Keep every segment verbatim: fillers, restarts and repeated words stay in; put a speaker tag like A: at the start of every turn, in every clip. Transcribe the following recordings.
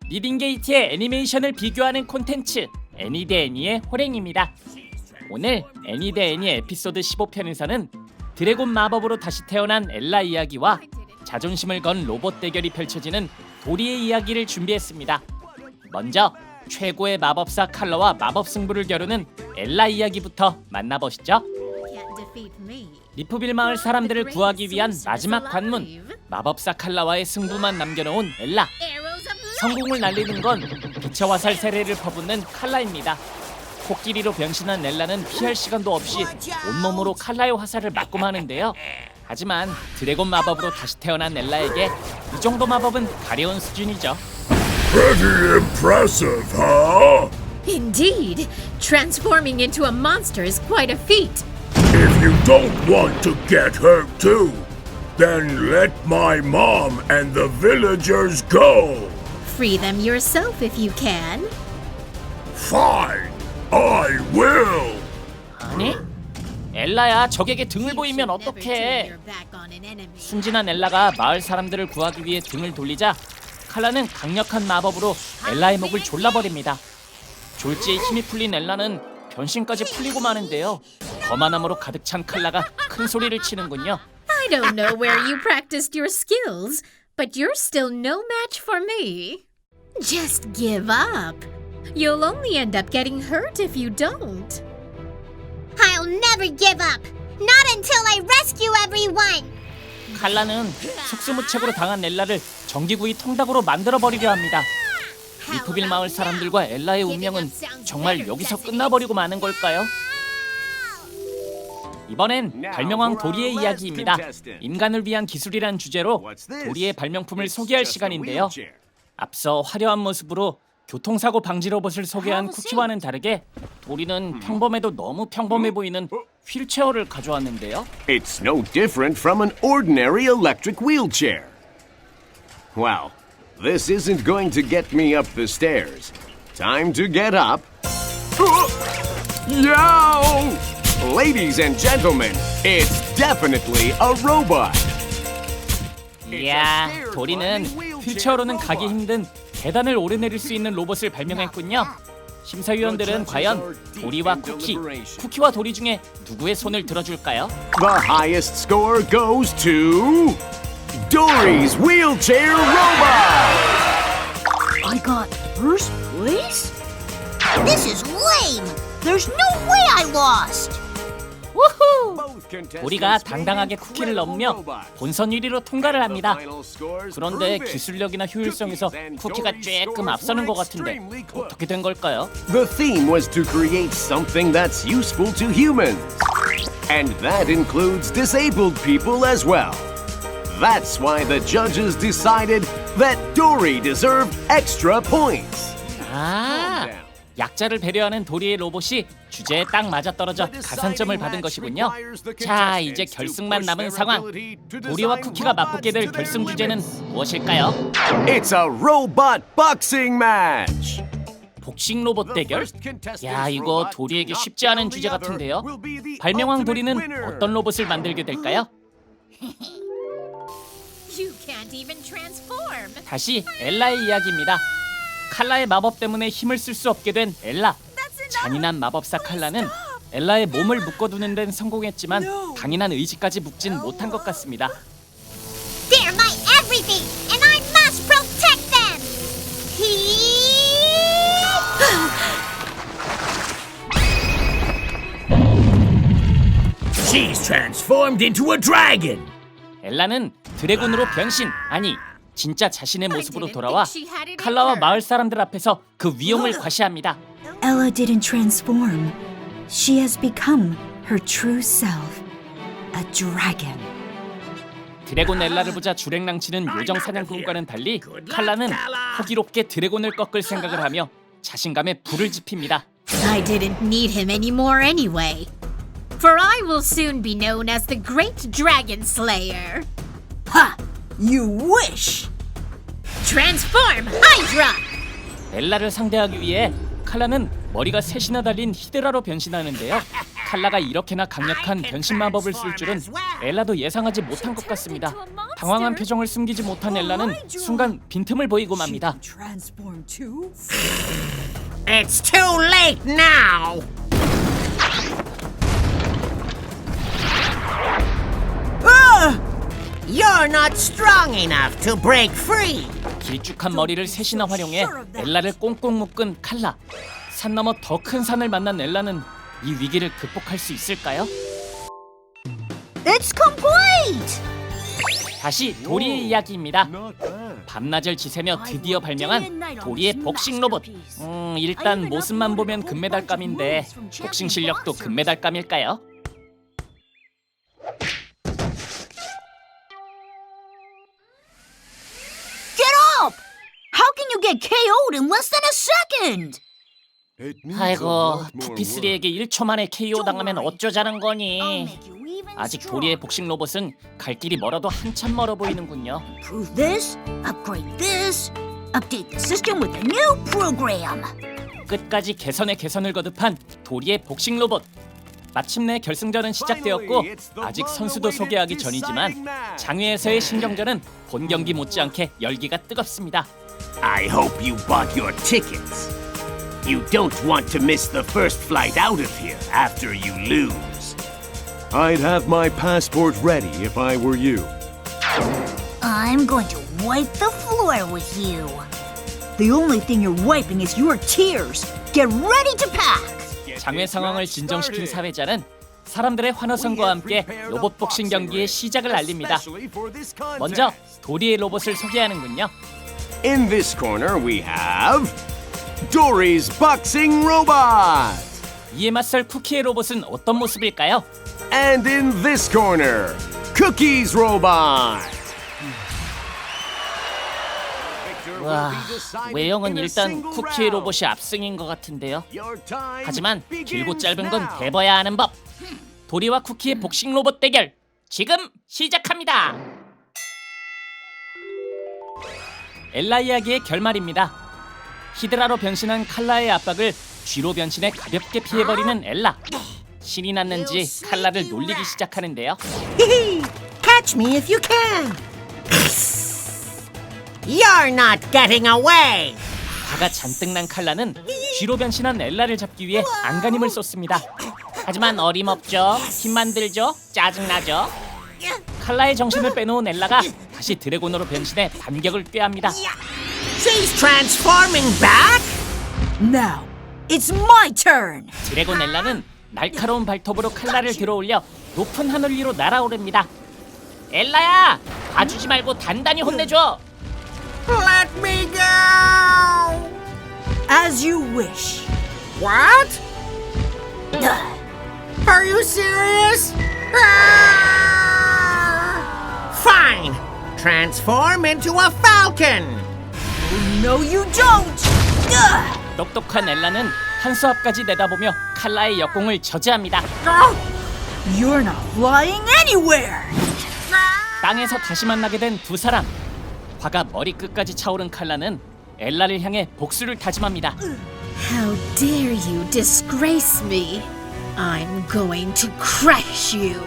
A: 리딩게이트의 애니메이션을 비교하는 콘텐츠 애니 대 애니의 호랭입니다. 오늘 애니 대 애니 에피소드 십오 편에서는 드래곤 마법으로 다시 태어난 엘라 이야기와 자존심을 건 로봇 대결이 펼쳐지는 도리의 이야기를 준비했습니다. 먼저 최고의 마법사 칼러와 마법 승부를 겨루는 엘라 이야기부터 만나보시죠. 리프빌 마을 사람들을 구하기 위한 마지막 관문, 마법사 칼라와의 승부만 남겨놓은 엘라. 성공을 날리는 건 빛의 화살 세례를 퍼붓는 칼라입니다. 코끼리로 변신한 엘라는 피할 시간도 없이 온몸으로 칼라의 화살을 맞고 마는데요. 하지만 드래곤 마법으로 다시 태어난 엘라에게 이 정도 마법은 가려운 수준이죠.
B: Pretty impressive, huh?
C: Indeed, transforming into a monster is quite a feat.
B: If you don't want to get hurt too, then let my mom and the villagers go.
C: Free them yourself if you can.
B: Fine, I will.
A: 아니? 엘라야, 적에게 등을 보이면 어떡해? 순진한 엘라가 마을 사람들을 구하기 위해 등을 돌리자 칼라는 강력한 마법으로 엘라의 목을 졸라버립니다. 졸지에 힘이 풀린 엘라는 변신까지 풀리고 마는데요. 거만함으로 가득 찬 칼라가 큰 소리를 치는군요.
C: I don't know where you practiced your skills, but you're still no match for me. Just give up. You'll only end up getting hurt if you don't.
D: I'll never give up. Not until I rescue everyone.
A: 칼라는 속수무책으로 당한 엘라를 전기구이 통닭으로 만들어버리려 합니다. 리프빌 마을 사람들과 엘라의 운명은 정말 여기서 끝나버리고 마는 걸까요? 이번엔 발명왕 도리의 이야기입니다. 인간을 위한 기술이란 주제로 도리의 발명품을 소개할 시간인데요. 앞서 화려한 모습으로 교통사고 방지 로봇을 소개한 쿠키와는 다르게 도리는 평범해도 너무 평범해 보이는 휠체어를 가져왔는데요.
E: It's no different from an ordinary electric wheelchair. Wow, this isn't going to get me up the stairs. Time to get up. Yo! Ladies and gentlemen, it's definitely a robot.
A: 이야, 도리는 휠체어로는 가기 힘든 계단을 오르내릴 수 있는 로봇을 발명했군요. 심사위원들은 과연 도리와 쿠키, 쿠키와 도리 중에 누구의 손을 들어줄까요?
E: The highest score goes to Dory's wheelchair robot.
D: I got first place? This is lame. There's no way I lost.
A: 우후! 도리가 당당하게 쿠키를 넘으며 본선 일 위로 통과를 합니다. 그런데 기술력이나 효율성에서 쿠키가 조금 앞서는 것 같은데 어떻게 된 걸까요?
E: The theme was to create something that's useful to humans. And that includes disabled people as well. That's why the judges decided that Dory deserved extra points.
A: 아, 약자를 배려하는 도리의 로봇이 주제에 딱 맞아떨어져 가산점을 받은 것이군요. 자, 이제 결승만 남은 상황. 도리와 쿠키가 맞붙게 될 결승 주제는 무엇일까요?
E: It's a robot boxing match.
A: 복싱 로봇 대결? 야, 이거 도리에게 쉽지 않은 주제 같은데요. 발명왕 도리는 어떤 로봇을 만들게 될까요?
C: You can't even transform.
A: 다시 엘라의 이야기입니다. 칼라의 마법 때문에 힘을 쓸 수 없게 된 엘라. 잔인한 마법사 칼라는 엘라의 몸을 묶어두는 데는 성공했지만 강인한 의지까지 묶진 못한 것 같습니다.
D: They're my everything, and I must protect them. He...
F: She's transformed into a dragon.
A: 엘라는 드래곤으로 변신, 아니 진짜 자신의 모습으로 돌아와 칼라와 마을 사람들 앞에서 그 위용을 과시합니다.
G: Ella didn't transform. She has become her true self, a dragon.
A: 드래곤 엘라를 보자 주랭랑치는 요정 사냥꾼과는 달리 칼라는 호기롭게 드래곤을 꺾을 생각을 하며 자신감에 불을 지핍니다.
C: I didn't need him anymore anyway. For I will soon be known as the Great Dragon Slayer.
G: Ha! You wish!
C: Transform, Hydra!
A: 엘라를 상대하기 위해 칼라는 머리가 셋이나 달린 히드라로 변신하는데요. 칼라가 이렇게나 강력한 변신 마법을 쓸 줄은 엘라도 예상하지 못한 것 같습니다. 당황한 표정을 숨기지 못한 엘라는 순간 빈틈을 보이고 맙니다.
G: Transform too?
F: It's too late now! Ah! You're not strong enough to break free!
A: 길쭉한 머리를 셋이나 활용해 엘라를 꽁꽁 묶은 칼라. 산 너머 더 큰 산을 만난 엘라는 이 위기를 극복할 수 있을까요?
D: It's complete!
A: 다시 도리의 이야기입니다.
E: Not bad.
A: 밤낮을 지새며 드디어 발명한 도리의 복싱 로봇. 음, 일단 모습만 보면 금메달감인데 복싱 실력도 금메달감일까요?
D: Get up! How can you get K O'd in less than a second?
E: It needs a
A: 아이고,
E: lot more
A: 푸피쓰리에게 일 초 만에 케이오 당하면 어쩌자는
D: I'll
A: 거니?
D: make you even
A: 아직
D: stronger.
A: 도리의 복싱 로봇은 갈 길이 멀어도 한참 멀어 보이는군요.
D: Improve this, upgrade this, update the system with a new program.
A: 끝까지 개선에 개선을 거듭한 도리의 복싱 로봇. 마침내 결승전은 시작되었고 아직 선수도 소개하기 전이지만 장외에서의 신경전은 본 경기 못지않게 열기가 뜨겁습니다.
F: I hope you bought your tickets. You don't want to miss the first flight out of here after you lose.
E: I'd have my passport ready if I were you.
D: I'm going to wipe the floor with you. The only thing you're wiping is your tears. Get ready to pack.
A: 장외 상황을 진정시킨 사회자는 사람들의 환호성과 함께 로봇 복싱 경기의 시작을 알립니다. 먼저 도리의 로봇을 소개하는군요.
E: In this corner we have Dory's boxing robot.
A: 이에 맞설 쿠키의 로봇은 어떤 모습일까요?
E: And in this corner, Cookie's robot.
A: 와, 외형은 일단 쿠키의 로봇이 압승인 것 같은데요. 하지만 길고 짧은 건 대봐야 하는 법. 도리와 쿠키의 복싱 로봇 대결 지금 시작합니다. 엘라 이야기의 결말입니다. 히드라로 변신한 칼라의 압박을 쥐로 변신해 가볍게 피해버리는 엘라. 신이 났는지 칼라를 놀리기 시작하는데요.
F: Catch me if you can! You're not getting away!
A: 화가 잔뜩 난 칼라는 쥐로 변신한 엘라를 잡기 위해 안간힘을 쏟습니다. 하지만 어림없죠. 힘만 들죠. 짜증나죠. 칼라의 정신을 빼놓은 엘라가 다시 드래곤으로 변신해 반격을 꾀합니다.
F: She's transforming back?
G: Now, it's my turn!
A: 드래곤 엘라는 날카로운 발톱으로 칼라를 들어올려 높은 하늘 위로 날아오릅니다. 엘라야! 봐주지 말고 단단히 혼내줘!
F: Let me go!
G: As you wish.
F: What? Are you serious? Ah! Fine! Transform into a falcon!
G: No, you don't! Ugh!
A: 똑똑한 엘라는 한수 앞까지 내다보며 칼라의 역공을 저지합니다.
G: You're not flying anywhere!
A: 땅에서 다시 만나게 된 두 사람. 화가 머리끝까지 차오른 칼라는 엘라를 향해 복수를 다짐합니다.
C: How dare you disgrace me? I'm going to crush you.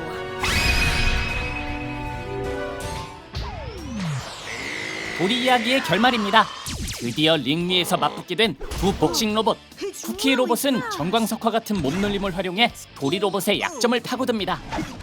A: 도리 이야기의 결말입니다. 드디어 링 위에서 맞붙게 된 두 복싱 로봇. 쿠키 로봇은 정광석화 같은 몸놀림을 활용해 도리 로봇의 약점을 파고듭니다.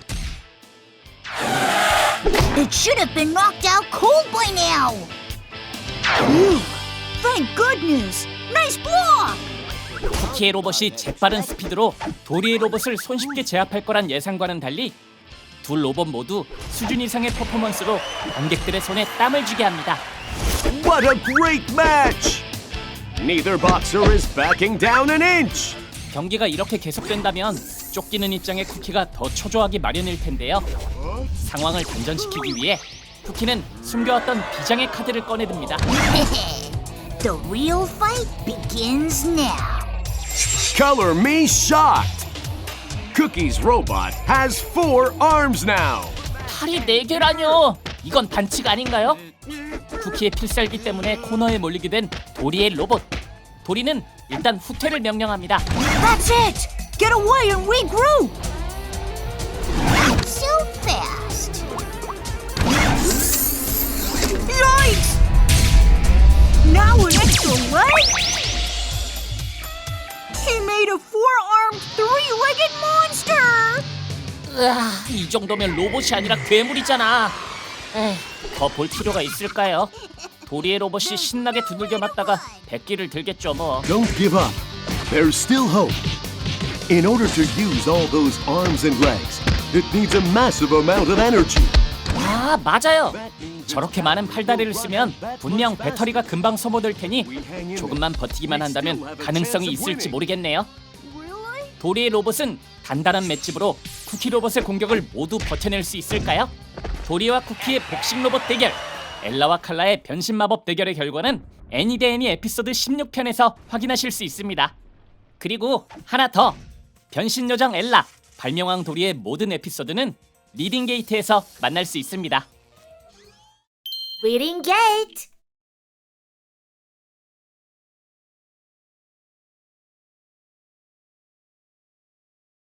D: It should have been knocked out cold by now. Ooh, thank goodness. Nice block.
A: 쿠키의 로봇이 재빠른 스피드로 도리의 로봇을 손쉽게 제압할 거란 예상과는 달리 두 로봇 모두 수준 이상의 퍼포먼스로 관객들의 손에 땀을 쥐게 합니다.
E: What a great match! Neither boxer is backing down an inch.
A: 경기가 이렇게 계속된다면 쫓기는 입장의 쿠키가 더 초조하기 마련일 텐데요. 상황을 반전시키기 위해 쿠키는 숨겨왔던 비장의 카드를 꺼내듭니다.
D: The real fight begins now.
E: Color me shocked. Cookie's robot has four arms now.
A: 팔이 네 개라뇨. 이건 반칙 아닌가요? 쿠키의 필살기 때문에 코너에 몰리게 된 도리의 로봇. 도리는 일단 후퇴를 명령합니다.
D: That's it. Get away and regroup. Not so fast. Yikes! Now an extra leg? He made a four-armed, three-legged monster!
A: 으아, 이 정도면 로봇이 아니라 괴물이잖아. 더 볼 필요가 있을까요? 도리의 로봇이 신나게 두들겨 맞다가 백기를 들겠죠 뭐.
E: Don't give up. There's still hope. In order to use all those arms and legs, it needs a massive amount of energy.
A: 아, 맞아요. 저렇게 많은 팔다리를 쓰면 분명 배터리가 금방 소모될 테니 조금만 버티기만 한다면 가능성이 있을지 모르겠네요. 도리의 로봇은 단단한 맷집으로 쿠키 로봇의 공격을 모두 버텨낼 수 있을까요? 도리와 쿠키의 복식 로봇 대결, 엘라와 칼라의 변신 마법 대결의 결과는 애니 대 애니 에피소드 십육 편에서 확인하실 수 있습니다. 그리고 하나 더, 변신 요정 엘라, 발명왕 도리의 모든 에피소드는 리딩 게이트에서 만날 수 있습니다.
H: Reading Gate!